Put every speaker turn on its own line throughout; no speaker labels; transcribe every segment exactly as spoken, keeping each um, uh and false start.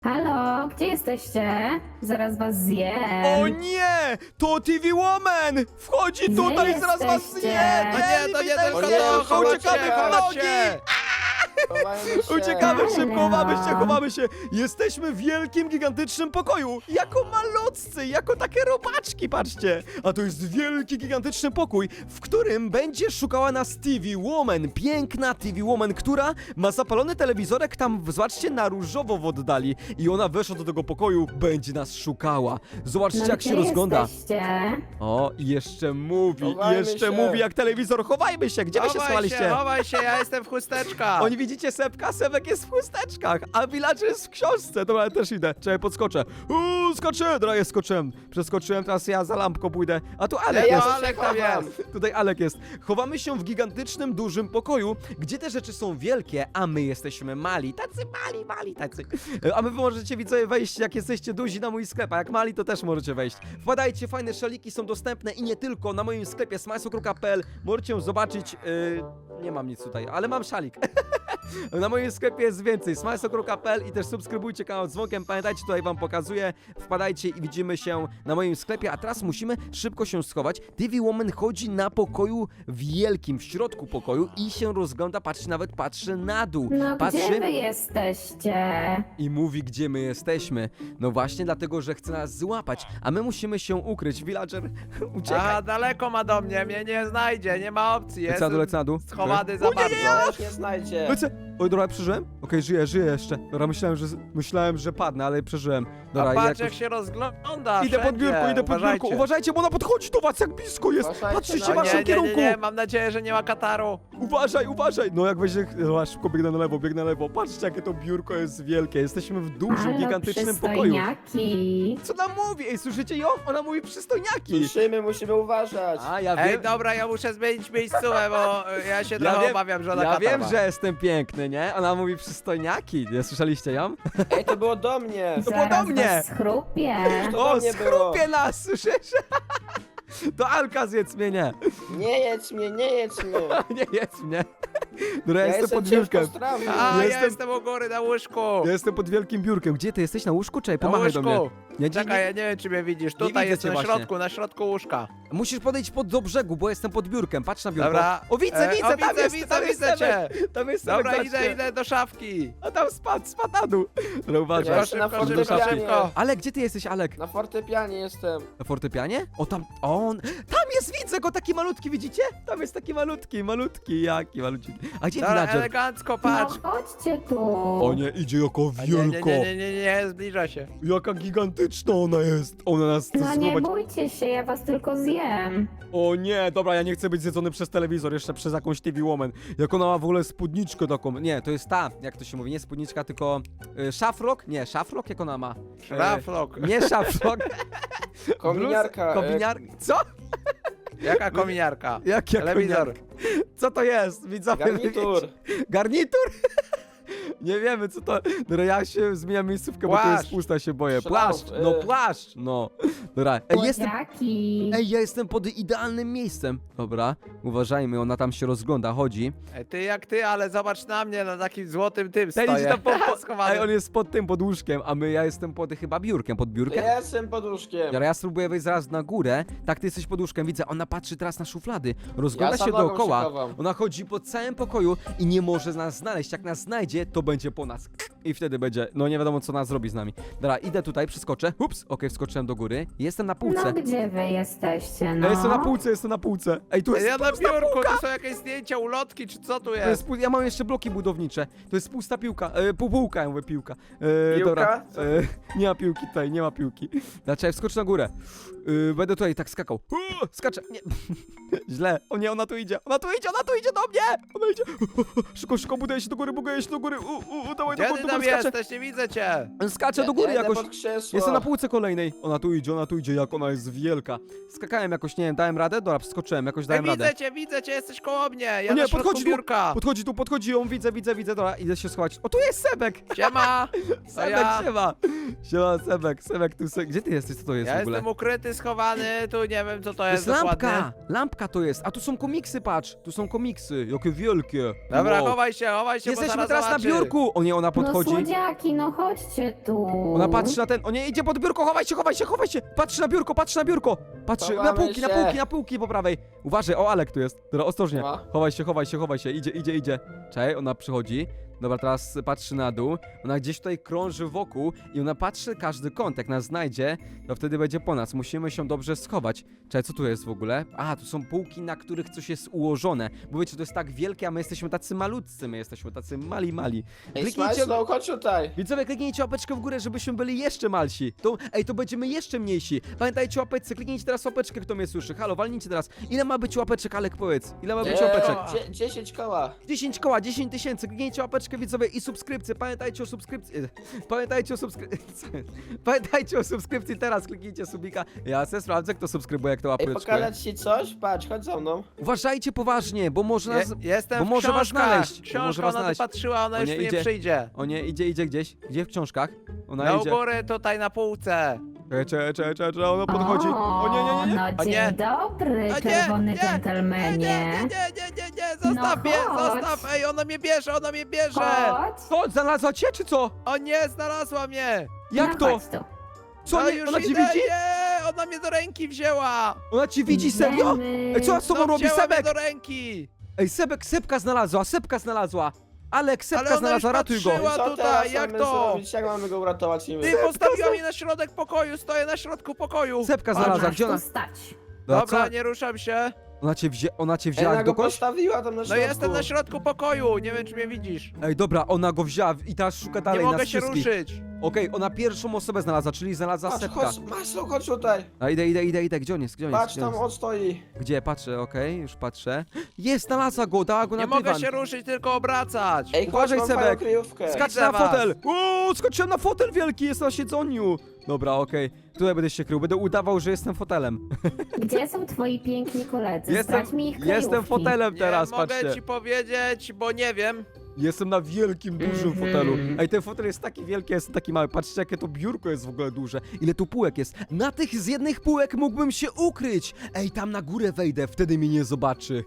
Halo, gdzie jesteście? Zaraz was zjem.
O nie! To T V Woman! Wchodzi
Gdzie
tutaj, zaraz was
jesteście?
zje!
No
nie, to nie
witaj,
tylko
serdecznie,
to, chodźcie,
uciekamy,
chodźcie.
nogi!
Chowajmy się.
Uciekamy szybko,
Ale
chowamy się,
no.
chowamy się! Jesteśmy w wielkim, gigantycznym pokoju! Jako malutcy, jako takie robaczki, patrzcie! A to jest wielki, gigantyczny pokój, w którym będzie szukała nas T V Woman. Piękna T V Woman, która ma zapalony telewizorek tam, zobaczcie, na różowo w oddali. I ona weszła do tego pokoju, będzie nas szukała. Zobaczcie,
No,
jak
gdzie
się rozgląda.
jesteście?
O, i jeszcze mówi,
Chowajmy
jeszcze
się.
mówi jak telewizor. Chowajmy się, gdzie wy się
Chowaj
schowaliście?
się, chowaj się, ja jestem w chusteczkach.
Oni widzicie Sebka? Sebek jest w chusteczkach, a Villager jest w książce. Dobra, ja też idę. Czekaj, podskoczę. Uuu, skoczę! Dobra, jest, skoczyłem. Przeskoczyłem, teraz ja za lampką pójdę. A tu Alek
Ja,
jest.
ja Alek tam jest.
Tutaj Alek jest. Chowamy się w gigantycznym, dużym pokoju, gdzie te rzeczy są wielkie, a my jesteśmy mali. Tacy mali, mali, tacy. E, A my wy możecie, widzowie, wejść, jak jesteście duzi, na mój sklep, a jak mali, to też możecie wejść. Wpadajcie, fajne szaliki są dostępne i nie tylko. Na moim sklepie smajsokro kropka pe el możecie zobaczyć... Yy, nie mam nic tutaj, ale mam szalik. Na moim sklepie jest więcej. smajsokro kropka pe el i też subskrybujcie kanał z dzwonkiem. Pamiętajcie, tutaj wam pokazuję. Wpadajcie i widzimy się na moim sklepie. A teraz musimy szybko się schować. T V Woman chodzi na pokoju wielkim, w środku pokoju i się rozgląda, patrzy, nawet patrzy na dół.
No
patrzy
gdzie wy jesteście?
i mówi, gdzie my jesteśmy. No właśnie dlatego, że chce nas złapać, a my musimy się ukryć. Villager, uciekaj.
A, daleko ma do mnie, mnie nie znajdzie, nie ma opcji,
Lecę na dół, lecę
jestem
na dół.
schowany za
O, nie,
bardzo.
nie, nie,
Też nie znajdzie.
Lecę. Oj, dobra, przeżyłem? Okej, żyję, żyję jeszcze. Dobra, myślałem, że myślałem, że padnę, ale przeżyłem. Dobra,
A patrz
jakoś-
jak się rozgląda
Idę pod
wszędzie.
biurko, idę pod
Uważajcie.
biurko. Uważajcie, bo ona podchodzi do was, jak blisko jest.
Uważajcie
Patrzycie
na
w
O,
waszym
nie, nie, nie,
kierunku.
nie, mam nadzieję, że nie ma kataru.
Uważaj, uważaj. No jak będzie... No, szybko biegnę na lewo, biegnę na lewo. Patrzcie, jakie to biurko jest wielkie. Jesteśmy w dużym,
Halo,
gigantycznym pokoju.
przystojniaki.
Co ona mówi? Ej, słyszycie ją? Ona mówi przystojniaki.
Słyszymy, musimy uważać.
A, ja
Ej,
wiem...
dobra, ja muszę zmienić miejscówę, bo y, ja się
Ja
trochę
wiem-
obawiam, że ona
Ja
katar
wiem,
ma.
że jestem piękny, nie? Ona mówi przystojniaki. Nie słyszeliście ją?
Ej, to było do mnie.
To było do
Zaraz
mnie.
was schrupie.
To
O,
do mnie
schrupie nas, słyszysz? To Alka zjedz mnie, nie.
Nie jedź mnie, nie jedź mnie.
Nie jedz mnie. Dobra, ja,
Ja
jestem
jestem
pod biurkiem.
ciężko strawny.
A, ja
Jestem-
jestem u góry na łóżku.
Ja jestem pod wielkim biurkiem. Gdzie ty jesteś? Na łóżku? Czekaj,
Na
pomachaj do mnie.
łóżku.
Nie, nie,
Czekaj,
nie.
ja nie wiem, czy mnie widzisz.
Nie
Tutaj
widzę
jest
cię
na
właśnie.
środku, na środku łóżka.
Musisz podejść pod do brzegu, bo jestem pod biurkiem. Patrz na biurko.
Dobra.
O, widzę,
E,
widzę,
o,
tam
widzę,
jest,
widzę,
tam jest
widzę
Sebek.
cię.
Tam jest Sebek,
Dobra,
patrzcie.
idę, idę do szafki.
A tam spadł, spadł na dół. Dobra, uważaj.
Ja jestem na
Szybko, szybko,
fortepianie.
szybko.
Alek, gdzie ty jesteś, Alek?
Na fortepianie jestem.
Na fortepianie? O, tam, on, tam jest, widzę go, taki malutki, widzicie? Tam jest taki malutki, malutki, jaki malutki. A gdzie
Dobra,
Villager?
elegancko,
No
patrz.
chodźcie tu.
O nie, idzie jako
A nie, nie,
wielko.
nie, nie, nie, nie, zbliża się.
Jaka gigantyczna ona jest. Ona nas chce
No nie
złapać.
bójcie się, ja was tylko zjem.
O nie, dobra, ja nie chcę być zjedzony przez telewizor, jeszcze przez jakąś T V Woman. Jak ona ma w ogóle spódniczkę taką. Nie, to jest ta, jak to się mówi, nie spódniczka, tylko y, szafrok? Nie, szafrok jak ona ma? E,
Szlafrok.
Nie szafrok.
Kominiarka.
Bluz- Kominiar... Co?
Jaka kominiarka?
Jak jak
Telewizor.
kominiarka? Co to jest? Widzowie,
e, Garnitur.
Garnitur? Nie wiemy co to. Dobra, ja się zmieniam miejscówkę, bo to
Płaszcz.
jest pusta, się boję.
Szlaf,
Płaszcz, no
y.
płaszcz, no. Dobra, ej, jestem...
Jaki?
Ej, ja jestem pod idealnym miejscem. Dobra, uważajmy, ona tam się rozgląda, chodzi.
Ej, ty jak ty, ale zobacz na mnie, na takim złotym tym
Ten
stoję.
idzie tam po, po,
Schowany.
ej, on jest pod tym, pod łóżkiem, a my, ja jestem pod chyba biurkiem, pod
To
biurkiem.
ja jestem pod łóżkiem.
Dobra, ja spróbuję wejść zaraz na górę. Tak, ty jesteś pod łóżkiem, widzę, ona patrzy teraz na szuflady. Rozgląda
Ja
się
za nogą
dookoła.
się chowam.
Ona chodzi po całym pokoju i nie może nas znaleźć. Jak nas znajdzie, to będzie po nas. I wtedy będzie, no nie wiadomo co nas zrobi z nami. Dobra, idę tutaj, przeskoczę. Ups, okej, wskoczyłem do góry. Jestem na półce.
No gdzie wy jesteście,
Ja
no?
jestem na półce, jestem na półce. Ej, tu
Ej,
jest
ja na
pusta
biurku,
półka.
tu są jakieś zdjęcia, ulotki, czy co tu
To
jest?
jest pu- ja mam jeszcze bloki budownicze. To jest pusta piłka. E, pół półka, ja mówię piłka. E,
Piłka?
Dobra. E, nie ma piłki tutaj, nie ma piłki. Znaczy, wskocz na górę. E, będę tutaj tak skakał. Uh, skaczę. Nie. Źle. O nie, ona tu idzie. Ona tu idzie, ona tu idzie do mnie. Ona idzie. Szybko, szybko, buduję się do góry, buduję się do góry. U, u, u, dawaj, do
Gdzie
góry,
ty
do
tam
góry, skaczę.
jesteś? Nie widzę cię.
Skaczę
Ja-
do góry
ja idę
jakoś.
pod krzesło.
Jestem na półce kolejnej. Ona tu idzie, ona tu idzie, jak ona jest wielka. Skakałem jakoś, nie wiem, dałem radę? Dobra, skoczyłem, jakoś
Ej,
dałem radę.
widzę cię, widzę cię, jesteś koło mnie. Ja
O nie,
na środku
podchodzi tu.
biurka.
Podchodzi tu, podchodzi ją, widzę, widzę, widzę, dobra, idę się schować. O, tu jest Sebek!
Siema. To
Sebek,
ja.
siema! Siema, Sebek, Sebek, tu se... Gdzie ty jesteś, co to jest
Ja
w ogóle?
jestem ukryty, schowany, tu nie wiem co to
To
jest
jest
dokładnie.
lampka! Lampka to jest, a tu są komiksy, patrz! Tu są komiksy, jakie wielkie!
Dobra,
Wow.
chowaj się, chowaj się, bo
Jesteśmy
zaraz
teraz na
zobaczy.
biurku! O nie, ona
No
podchodzi. przychodzi.
słodziaki, no chodźcie tu.
Ona patrzy na ten, o nie, idzie pod biurko, chowaj się, chowaj się, chowaj się! Patrzy na biurko, patrzy na biurko! Patrzy, na
Chowamy
półki, na
się.
półki, na półki po prawej. Uważaj, o Alek tu jest. Dobra, ostrożnie.
Ma.
Chowaj się, chowaj się, chowaj się, idzie, idzie, idzie. Czekaj, ona przychodzi. Dobra, teraz patrzy na dół. Ona gdzieś tutaj krąży wokół i ona patrzy każdy kąt. Jak nas znajdzie, to wtedy będzie po nas. Musimy się dobrze schować. Czekaj, co tu jest w ogóle? A, tu są półki, na których coś jest ułożone. Bo wiecie, to jest tak wielkie, a my jesteśmy tacy malutcy. My jesteśmy tacy mali, mali.
Ej,
Kliknijcie,
Smajslow, chodź tutaj.
widzowie, kliknijcie łapeczkę w górę, żebyśmy byli jeszcze malsi. To, ej, to będziemy jeszcze mniejsi. Pamiętajcie łapeczce, kliknijcie teraz łapeczkę, kto mnie słyszy. Halo, walnijcie teraz. Ile ma być łapeczek, Alek, powiedz? Ile ma być
Eee,
łapeczek?
dzie- dziesięć koła.
dziesięć koła, dziesięć tysięcy, kliknijcie łapeczkę, widzowie, i subskrypcję. Pamiętajcie o subskrypcji. Pamiętajcie o subskrypcji. Pamiętajcie o subskrypcji teraz, kliknijcie subika. Ja se sprawdzę, kto subskrybuje, kto
Ej,
łapeczkę.
pokazać ci coś? Patrz, chodź za mną.
Uważajcie poważnie, bo może
Je,
nas...
jestem
bo
w
może was
książkach.
znaleźć, bo
Książka,
może was
ona tu
znaleźć.
patrzyła, ona
O
już
nie,
tu nie
idzie.
przyjdzie.
O nie, idzie, idzie gdzieś. Gdzie w książkach? Ona
Na u
idzie.
góry, tutaj na półce.
Czekaj, czekaj, czekaj, czekaj, czekaj, ona podchodzi. O nie, nie, nie, nie.
No
O
dzień
nie.
dobry,
A nie,
czerwony
nie, Nie,
dżentelmenie.
nie, nie, nie, nie, nie, zostaw
No
mnie,
chodź.
zostaw, ej, ona mnie bierze, ona mnie bierze.
Chodź.
Co, znalazła cię, czy co?
O nie, znalazła mnie.
Jak
no
to?
Chodź tu.
Co,
No
nie,
już
ona cię
idę,
widzi?
Nie, ona mnie do ręki wzięła.
Ona cię widzi, serio?
Idziemy.
Ej, co ona z tobą
No,
robi,
wzięła mnie
Sebek?
do ręki.
Ej, Sebek, Sebka znalazła, Sebka znalazła. Alek,
Ale
Sebka
ona
znalazła,
już
ratuj go.
patrzyła.
Co
tutaj,
teraz
jak
mamy
to?
zrobić? Jak mamy go uratować niby?
Ty postawiła mnie na środek pokoju, stoję na środku pokoju.
Sebka
O,
znalazła,
masz
gdzie
tu
ona?
stać.
Dobra,
Dobra,
co?
nie ruszam się.
Ona cię, wzię... ona cię
Ej,
wzięła
ona go
dokądś?
postawiła tam na
No
środku.
jestem na środku pokoju, nie wiem czy mnie widzisz.
Ej, dobra, ona go wzięła i teraz szuka
Nie
dalej
mogę
nas
się
wszystkich.
ruszyć.
Okej, ona pierwszą osobę znalazła, czyli znalazła
Patrz,
Sebka.
chodź, Maslow, chodź tutaj.
A idę, idę, idę, idę, gdzie on jest, gdzie on jest?
Patrz,
Gdzie on
tam
jest?
on stoi.
Gdzie? Patrzę, okej, już patrzę. Jest, znalazła go, dała go na
Nie mogę
dywan.
się ruszyć, tylko obracać.
Ej,
Uważaj,
chodź, mam
Sebek.
fajną kryjówkę.
Skacz
Widzę
na
was.
fotel! O, skoczyłem na fotel wielki, jest na siedzeniu! Dobra, okej, tutaj będę się krył, będę udawał, że jestem fotelem.
Gdzie są twoi piękni koledzy?
Jestem,
Zdradź mi ich
jestem
kryjówki.
fotelem teraz,
nie mogę
patrzcie.
ci powiedzieć, bo nie wiem.
Jestem na wielkim, dużym
Mhm.
fotelu. Ej, ten fotel jest taki wielki, jest taki mały. Patrzcie, jakie to biurko jest w ogóle duże. Ile tu półek jest. Na tych z jednych półek mógłbym się ukryć. Ej, tam na górę wejdę, wtedy mnie nie zobaczy.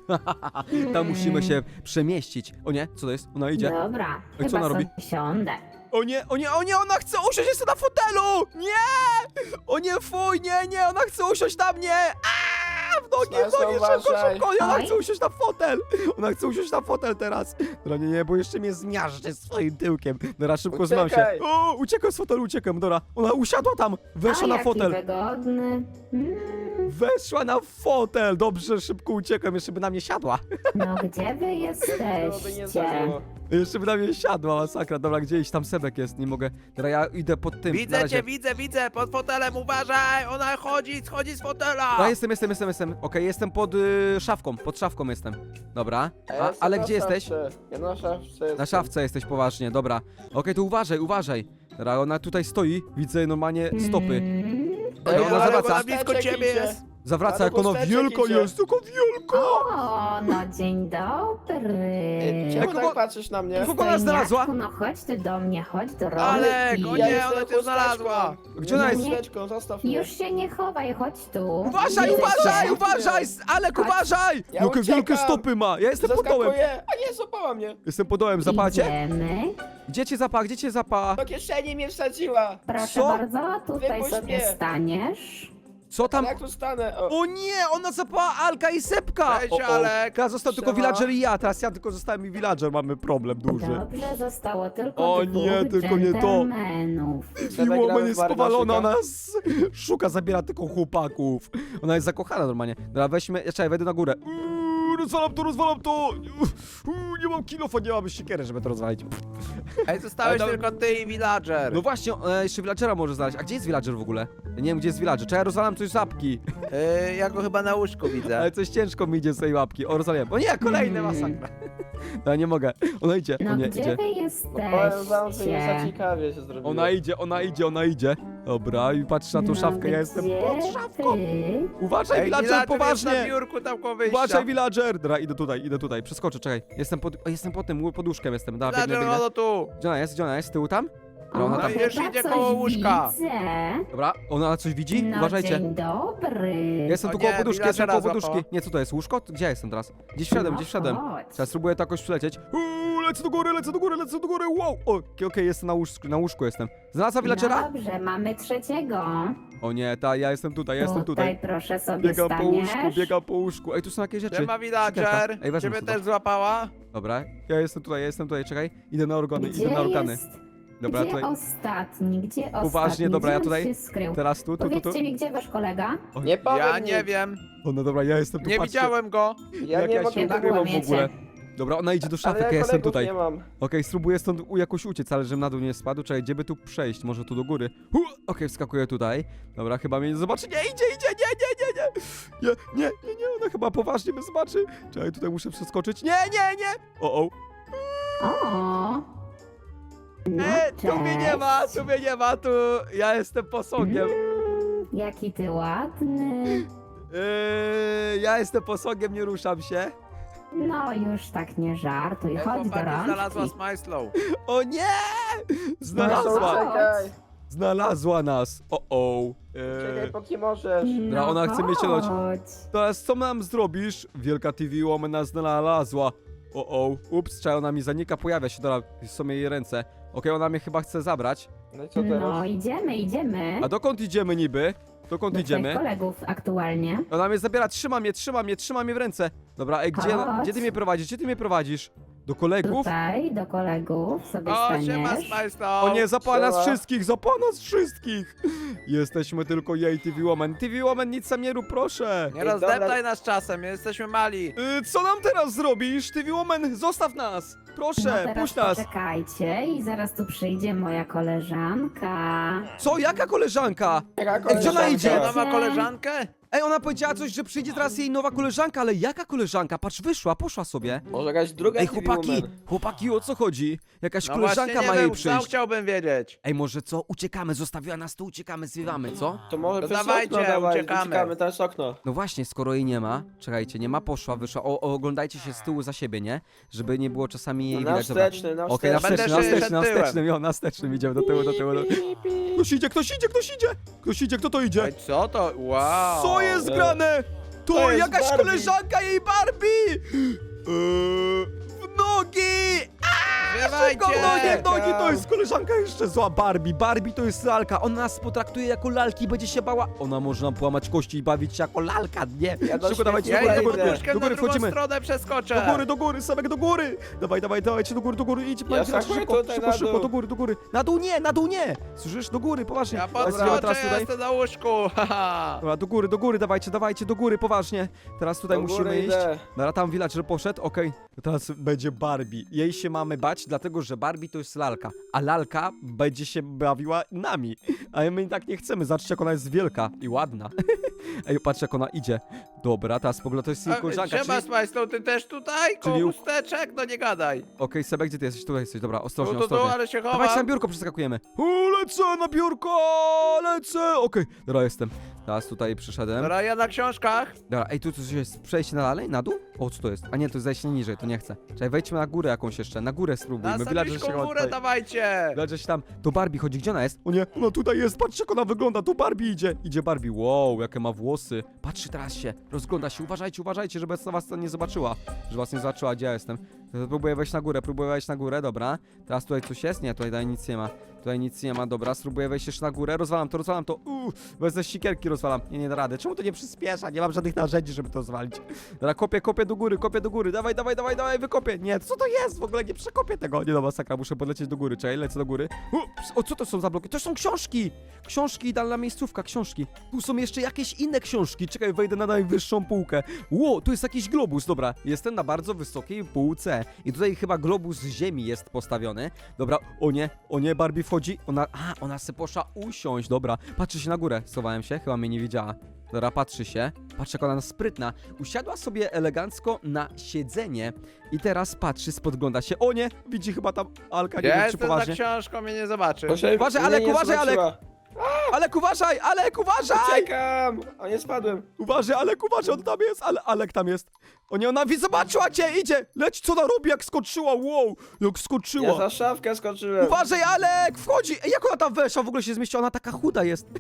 Tam musimy się przemieścić. O nie, co to jest? Ona idzie.
Dobra,
Ej, co
chyba
ona robi?
sobie siądę.
O nie, o nie, o nie, ona chce usiąść jeszcze na fotelu! Nie! O nie, fuj, nie, nie, ona chce usiąść na mnie! Aaa, w nogi, w
Smajslow,
nogi, szybko,
uważaj.
szybko, ona
Oj.
chce usiąść na fotel! Ona chce usiąść na fotel teraz! Dobra, nie, nie, bo jeszcze mnie zmiażdży swoim tyłkiem. Dobra, szybko znam się.
Uciekaj.
O, uciekam z fotelu, uciekam, dobra. Ona usiadła tam, weszła
A,
na
jaki
fotel.
wygodny. Mm,
Weszła na fotel, dobrze, szybko uciekam, jeszcze by na mnie siadła.
no gdzie wy
To by nie
jesteście?
zdarzyło.
Jeszcze by na mnie siadła, masakra. Dobra, gdzieś tam Sebek jest, nie mogę. Dobra, ja idę pod tym. na
Widzę
razie.
cię, widzę, widzę, pod fotelem, uważaj, ona chodzi, schodzi z fotela.
A, jestem, jestem, jestem, jestem. Okej, jestem pod y, szafką, pod szafką jestem. Dobra.
A ja
A,
jestem
ale
na
gdzie jesteś?
szafce. Ja na szafce jestem.
Na szafce jesteś poważnie, dobra. Okej, to uważaj, uważaj. Dobra, ona tutaj stoi, widzę normalnie stopy.
Mm.
Dobra,
Ej,
ona
ale
zawraca.
Ona blisko
Kosteczek
ciebie
idzie.
jest.
Zawraca,
Ale
jak ona
chusteczek
wielka
idzie.
jest, tylko wielka.
O, no dzień dobry.
Ej, Czemu
kogo-
tak patrzysz na mnie?
kogo ona znalazła?
No chodź ty do mnie, chodź do
Alek,
rolki.
o
Ja
nie,
jestem
ona cię
chusteczką.
znalazła.
Gdzie ona
Jestem
jest?
chusteczką, zostaw mnie.
Już się nie chowaj, chodź tu.
Uważaj,
Widzę
uważaj,
cię.
uważaj! Alek,
Chodź.
uważaj!
Ja
Jakie
uciekam.
wielkie stopy ma! Ja jestem pod dołem.
Zaskakuję. A nie, złapała mnie.
Jestem pod dołem, zapacie?
Idziemy.
Gdzie cię zapa, gdzie cię zapa?
Do kieszeni mnie wsadziła.
Proszę
Co?
bardzo, tutaj
Wypuść
sobie
mnie.
staniesz.
Co tam?
Ale jak tu stanę? O.
O nie, ona zapała Alka i Sepka!
Cześć,
O, o.
Alek.
Teraz został tylko
Siema.
villager i ja, teraz ja tylko zostałem i villager, mamy problem duży.
Dobrze, zostało tylko
O
dwóch
nie, tylko nie to.
dżentelmenów.
Sebek,
Miło,
gramy
ona
w
jest
Mario
powalona,
Barczyka?
ona s- szuka, zabiera tylko chłopaków. Ona jest zakochana normalnie. Dobra, weźmy, czekaj, wejdę na górę. Uuu, rozwalam to, rozwalam to! Uuu, nie mam kilofa, nie mam siekiery, żeby to rozwalić.
Ej, zostałeś
Ale to-
tylko ty i villager.
No właśnie, e, jeszcze villagera może znaleźć. A gdzie jest villager w ogóle? Ja nie wiem, gdzie jest villager. Czekaj, rozwalam coś z łapki.
Yy, ja go chyba na łóżku widzę.
Ale coś ciężko mi idzie z tej łapki. O, rozwaliłem. O nie, kolejne
Mm.
masakra. Ja nie mogę. Ona idzie, o
No
nie,
gdzie
idzie.
wy
Powiem wam, że nie za
jesteście?
ciekawie się zrobiło.
Ona idzie, ona idzie, ona idzie. Dobra, i patrz na tą
No
szafkę, ja jestem
gdzie
pod szafką.
ty?
Uważaj,
Ej,
villager,
jest na
poważnie!
biurku tam koło wyjścia.
Uważaj, villager! Dobra, idę tutaj, idę tutaj, przeskoczę, czekaj. Jestem pod, o, jestem pod tym, pod łóżkiem jestem. Dobra, biegnę,
Villager,
biegnę.
ono tu.
Gdzie ona jest, gdzie ona jest? Z tyłu tam? Dobra, ona
O,
tam.
No już
chyba
idzie
coś
koło łóżka.
Widzę.
Dobra, ona coś widzi?
No
Uważajcie.
dzień dobry.
Ja jestem
O
tu
nie,
koło poduszki, jestem
villagera
koło poduszki.
złapała.
Nie, co to jest? Łóżko? Gdzie ja jestem teraz? Gdzieś wszedłem,
No
gdzieś wszedłem.
chodź.
Teraz spróbuję to jakoś przylecieć. Uuu, lecę do góry, lecę do góry, lecę do góry, wow! Okej, okej, jestem na łóżku, na łóżku jestem. Znalazła villagera?
Dobrze, mamy trzeciego.
O nie, ta, ja jestem tutaj, ja jestem tutaj.
proszę sobie
Biegam po łóżku,
staniesz.
biegam po łóżku. Ej, tu są jakieś rzeczy.
Siema villager,
Ej, wezmę
ciebie
sobie.
też złapała?
Dobra, ja jestem tutaj, ja jestem tutaj, czekaj. Idę na organy,
Gdzie
idę na organy.
jest?
Dobra,
Gdzie
tutaj.
ostatni? Gdzie ostatni?
Uważnie, dobra, ja
Gdzie on
tutaj-
się skrył?
Teraz tu, tu, tu, tu.
Powiedzcie mi, gdzie wasz kolega?
Nie powiem
Ja
nic.
nie wiem,
O, no dobra, ja jestem tu,
nie
patrzcie.
widziałem go.
Ja
Jak
nie
ja
mogę
się
Chyba
nagrywam w
kłamiecie.
ogóle. Dobra, ona idzie do szafy,
Ale
ja jestem
kolegów
tutaj.
nie mam.
Okej, spróbuję stąd u- jakoś uciec, ale żebym na dół nie spadł. Czekaj, gdzie by tu przejść? Może tu do góry. Hu! Okej, wskakuję tutaj. Dobra, chyba mnie nie zobaczy. Nie, idzie, idzie, nie, nie, nie, nie. Nie, nie, nie, nie, ona chyba poważnie mnie zobaczy. Czekaj, tutaj muszę przeskoczyć. Nie, nie, nie. O, o.
O! No,
Nie, tu mnie nie
cześć.
ma, tu mnie nie ma, tu ja jestem posągiem.
Mm, jaki ty ładny.
Yy, ja jestem posągiem, nie ruszam się.
No już tak nie żartuj, chodź do
Chłopaki znalazła
rączki.
Smajslow.
O nie!
Znalazła.
Znalazła,
Czekaj,
znalazła nas. O, o.
czekaj,
Yy,
póki możesz.
Dobra, ona chce mnie cielać.
No chodź.
teraz co nam zrobisz? Wielka T V Woman nas znalazła. O, o. Ups, czekaj, ona mi zanika, pojawia się. Dobra, są jej ręce. Okej, ona mnie chyba chce zabrać.
No i co
No
teraz?
idziemy, idziemy.
A dokąd idziemy niby? Dokąd
Do
idziemy?
twoich kolegów aktualnie.
Ona mnie zabiera, trzyma mnie, trzyma mnie, trzyma mnie w ręce. Dobra, ej, gdzie,
Chodź.
gdzie ty mnie prowadzisz? Gdzie ty mnie prowadzisz? Do kolegów?
Tutaj, do kolegów sobie
O, siema
staniesz.
Smajslow.
O nie, zapała nas
Siema.
wszystkich, zapała nas wszystkich! Jesteśmy tylko jej T V Woman. T V Woman, nic sam nie rób, proszę!
Nie
Ej,
rozdeptaj
dobra.
nas czasem, my jesteśmy mali.
Y, co nam teraz zrobisz? T V Woman, zostaw nas!
No
Proszę,
teraz
puść nas!
poczekajcie i zaraz tu przyjdzie moja koleżanka.
Co, jaka koleżanka?
Jaka
Ej, gdzie ona
koleżanka?
idzie?
Ona ma koleżankę?
Ej, ona powiedziała coś, że przyjdzie teraz jej nowa koleżanka, ale jaka koleżanka? Patrz, wyszła, poszła sobie.
Może jakaś druga
Ej,
T V
chłopaki,
woman.
chłopaki, o co chodzi? Jakaś
No
koleżanka
właśnie,
ma
nie
jej
wiem, sam
przyjść.
chciałbym wiedzieć.
Ej, może co? Uciekamy, zostawiła nas tu, uciekamy, zwiewamy, co?
To może
To
przez
dawajcie,
okno dawaj,
uciekamy.
uciekamy, to jest okno.
No właśnie, skoro jej nie ma, czekajcie, nie ma, poszła, wyszła, o, o, oglądajcie się z tyłu za siebie, nie? Żeby nie było czasami jej
Na
widać. Dobra.
wsteczny, na
Okej, na
wsteczny.
wsteczny, na
Będę się
wsteczny, na
przed tyłem.
wstecznym, jo, na wstecznym, idziemy do tyłu, do tyłu. Do... Ktoś idzie, ktoś idzie, ktoś idzie! Ktoś idzie, kto to idzie?
Ej, co to? Wow.
Co jest
E,
grane? To,
to jest
jakaś
Barbie.
koleżanka jej Barbie! Eee, w nogi! Szybko, w nogi, w nogi, to jest koleżanka jeszcze zła Barbie. Barbie to jest lalka, ona nas potraktuje jako lalki, będzie się bała. Ona może nam połamać kości i bawić się jako lalka, nie?
Ja do
Szybko, dawajcie do
Ja
góry, do
idę
góry,
troszkę
do
na
góry,
drugą
wchodzimy.
stronę przeskoczę.
Do góry, do góry, Sebek, do góry! Dawaj, dawaj, dawajcie do góry, do góry, idź,
Ja
Minecraft,
skakuję
szybko,
tutaj
szybko,
na
szybko,
dół.
do góry, do góry. Na dół nie, na dół nie! Słyszysz? Do góry, poważnie.
Ja
Dawaj,
podskoczę,
teraz
ja
tutaj.
jestem na łóżku. haha.
Dobra, do góry, do góry, dawajcie, dawajcie, do góry, poważnie. Teraz tutaj
Do
musimy
góry
iść.
idę.
Dobra, tam villager poszedł, okej. To teraz będzie Barbie. Jej się mamy bać, dlatego że Barbie to jest lalka. A lalka będzie się bawiła nami. A my tak nie chcemy, zobaczcie jak ona jest wielka i ładna. Ej, patrz jak ona idzie. Dobra, teraz spogląda, to jest jej
A,
koleżanka,
Siema
czyli...
Smajslow, ty też tutaj? Koło
Czyli u-
chusteczek? No nie gadaj.
Okej, Sebek, gdzie ty jesteś? Tutaj jesteś, dobra,
Tu,
ostrożnie,
tu, tu,
ostrożnie.
ale się
Dawajcie na
chowam.
biurko, przeskakujemy. U, lecę na biurko, lecę. Okej, dobra, jestem. Teraz tutaj przyszedłem.
Dobra, ja na książkach.
Dobra, ej, tu coś jest przejście na dalej, na dół? O, co to jest? A nie, to jest zejście niżej, to nie chcę. Czekaj, wejdźmy na górę jakąś jeszcze, na górę
Na
spróbujmy. Villager się
samyczką
chyba
górę
tutaj...
dawajcie.
Villager się tam do Barbie chodzi, gdzie ona jest? O nie, ona tutaj jest, patrzcie jak ona wygląda, tu Barbie idzie. Idzie Barbie, wow, jakie ma włosy. Patrzy teraz się, rozgląda się, uważajcie, uważajcie, żeby was nie zobaczyła. Żeby was nie zobaczyła, gdzie ja jestem. To próbuję wejść na górę, próbuję wejść na górę, dobra. Teraz tutaj coś jest? Nie, tutaj dalej nic nie ma. Tutaj nic nie ma, dobra, spróbuję wejść jeszcze na górę, rozwalam to, rozwalam to, uuu, bez sikierki rozwalam, nie, nie da rady, czemu to nie przyspiesza, nie mam żadnych narzędzi, żeby to zwalić. Dobra, kopię, kopię do góry, kopię do góry, dawaj, dawaj, dawaj, dawaj, wykopię, nie, co to jest, w ogóle nie przekopię tego, nie no, masakra, muszę podlecieć do góry, czekaj, lecę do góry, Ups, o, co to są za bloki, to są książki, książki, idealna miejscówka, książki, tu są jeszcze jakieś inne książki, czekaj, wejdę na najwyższą półkę, ło, tu jest jakiś globus, dobra, jestem na bardzo wysokiej półce i tutaj chyba globus z ziemi jest postawiony, dobra, o nie, o nie, Barbie wchodzi, ona, a, ona se poszła usiąść, dobra, patrzy się na górę, schowałem się, chyba mnie nie widziała. Dobra, patrzy się, patrz jak ona sprytna. Usiadła sobie elegancko na siedzenie i teraz patrzy, spogląda się. O nie, widzi chyba tam Alka, nie
Ja
wiem czy
jestem za
poważnie.
książką, mnie nie zobaczy.
Uważaj,
Proszę, mnie
Alek,
nie
uważaj, Alek!
zobaczyła.
Alek, uważaj, Alek, uważaj!
Uciekam! O, nie spadłem.
Uważaj, Alek, uważaj, on tam jest, ale Alek tam jest. O nie, ona wi- zobaczyła cię, idzie! Leć, co ona robi, jak skoczyła, wow, jak skoczyła.
Ja za szafkę skoczyłem.
Uważaj, Alek, wchodzi! Ej, jak ona tam weszła, w ogóle się zmieściła, ona taka chuda jest.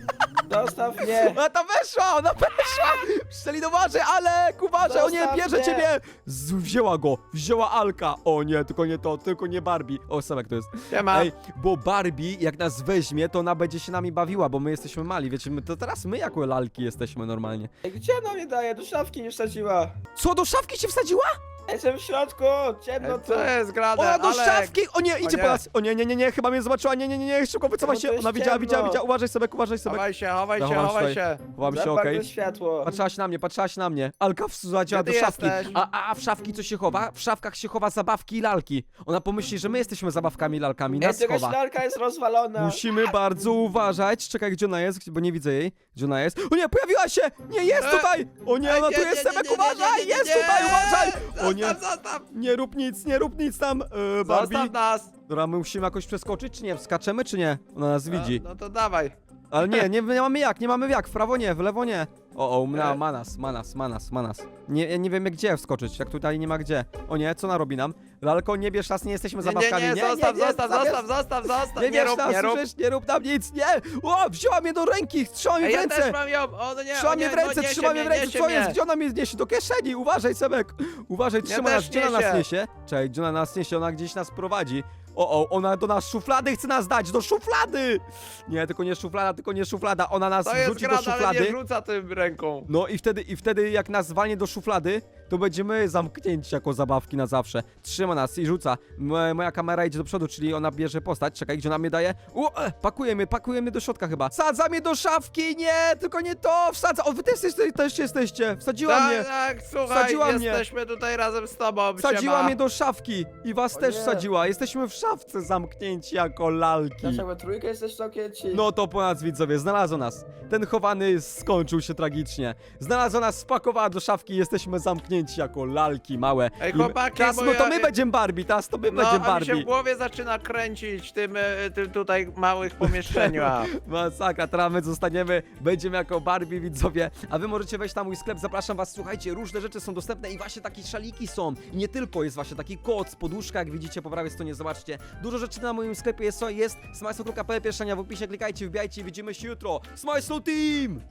Dostaw mnie.
A ta weszła, ona weszła! Szczelin, uważaj, ale uważaj, o nie,
Zostaw
bierze
mnie.
ciebie! Z, wzięła go, wzięła Alka. O nie, tylko nie to, tylko nie Barbie. O, Sebek to jest.
Siema.
Ej, bo Barbie, jak nas weźmie, to ona będzie się nami bawiła, bo my jesteśmy mali, wiecie, my, to teraz my jako lalki jesteśmy normalnie.
Ej, gdzie ona mnie daje? Do szafki nie wsadziła.
Co, do szafki się wsadziła?
Jestem w środku, ciemno
Ej,
tu.
co jest grane?
Ona do
Alek?
szafki! O nie, idzie
nie.
po nas! O nie, nie, nie, nie, chyba mnie zobaczyła, nie, nie, nie, nie, szybko wycofaj
No
się!
to jest
Ona widziała, widziała,
ciemno.
widziała, uważaj Sebek, uważaj Sebek.
Chowaj się, chowaj się,
Zachowam
chowaj
tutaj.
się.
Chowam się,
Za
okej.
bardzo światło.
Patrzyła się na mnie, patrzyła się na mnie. Alka wsadziła
Gdzie
do
ty
szafki.
jesteś?
A, a, a w szafki co się chowa? W szafkach się chowa zabawki i lalki. Ona pomyśli, że my jesteśmy zabawkami i lalkami,
Ej,
nas
jakaś
chowa.
lalka jest rozwalona.
Musimy bardzo uważać. Czekaj, gdzie ona jest, bo nie widzę jej. Gdzie ona jest? O nie, pojawiła się! Nie, jest
E,
tutaj! O nie, ona tu jest, Sebek, uważaj! Jest tutaj, uważaj! O nie,
Zostaw, zostaw!
nie rób nic, nie rób nic tam, e, Barbie.
Zostaw nas!
Dobra, my musimy jakoś przeskoczyć, czy nie? Wskaczemy, czy nie? Ona nas widzi.
No, no to dawaj.
Ale nie, nie, nie mamy jak, nie mamy jak. W prawo nie, w lewo nie. O, o, ma,
E.
ma nas, ma nas, ma nas, ma nas. Nie, ja nie wiem gdzie wskoczyć, jak tutaj nie ma gdzie. O nie, co ona robi nam? Lalko, nie bierz nas, nie jesteśmy
Nie, nie,
zabawkami.
nie, zostaw, zostaw,
zabierz-
zostaw, zostaw, zostaw!
Nie
Nie
bierz
rób,
nas,
nie rób!
słyszysz? Nie rób nam nic, nie! O, wzięła mnie do ręki, trzyma mnie
Ej,
w
ja
ręce!
też mam ją! O, no nie,
Trzyma
o
mnie
nie,
w ręce,
no, niesie
trzyma mnie w ręce,
niesie
co jest?
mnie.
Gdzie ona mnie niesie? Do kieszeni, uważaj, Sebek! Uważaj, trzyma nas,
też
gdzie ona nas
niesie.
niesie? Czekaj, gdzie ona nas niesie? Ona gdzieś nas prowadzi. O, o, ona do nas szuflady chce nas dać, do szuflady! Nie, tylko nie szuflada, tylko nie szuflada, ona nas
To jest
wrzuci do
grane, ale
szuflady.
nie rzuca tym ręką.
No i wtedy, i wtedy jak nas walnie do szuflady, to będziemy zamknięci jako zabawki na zawsze. Trzyma nas i rzuca. M moja kamera idzie do przodu, czyli ona bierze postać. Czekaj, gdzie ona mnie daje? O, e, pakuje mnie, pakuje mnie do środka chyba. Wsadza mnie do szafki, nie, tylko nie to, wsadza. O, wy też, jeste, też jesteście, wsadziła
Tak,
mnie.
tak, słuchaj,
Wsadziła mnie.
jesteśmy tutaj razem z tobą,
Wsadziła
siema.
mnie do szafki i was
O
też
nie.
wsadziła. Jesteśmy w szafce zamknięci jako lalki.
Dlaczego trójkę jesteś zamknięci?
No to po nas widzowie, znalazło nas. Ten chowany skończył się tragicznie. Znalazła nas, spakowała do szafki, jesteśmy zamknięci jako lalki małe.
Ej,
I my-
chłopaki,
teraz
bo
no to
ja-
my będziemy Barbie, teraz to my
No,
będziemy
a mi się w
Barbie.
głowie zaczyna kręcić tym, e, tym tutaj małych pomieszczeniach.
Masakra, teraz my zostaniemy, będziemy jako Barbie widzowie, a wy możecie wejść na mój sklep, zapraszam was, słuchajcie, różne rzeczy są dostępne i właśnie takie szaliki są. I nie tylko, jest właśnie taki koc, poduszka, jak widzicie po prawej stronie, zobaczcie. Dużo rzeczy na moim sklepie jest, jest smajslo kropka p l, pierwsza linia w opisie, klikajcie, wbijajcie i widzimy się jutro. Smajslo Team!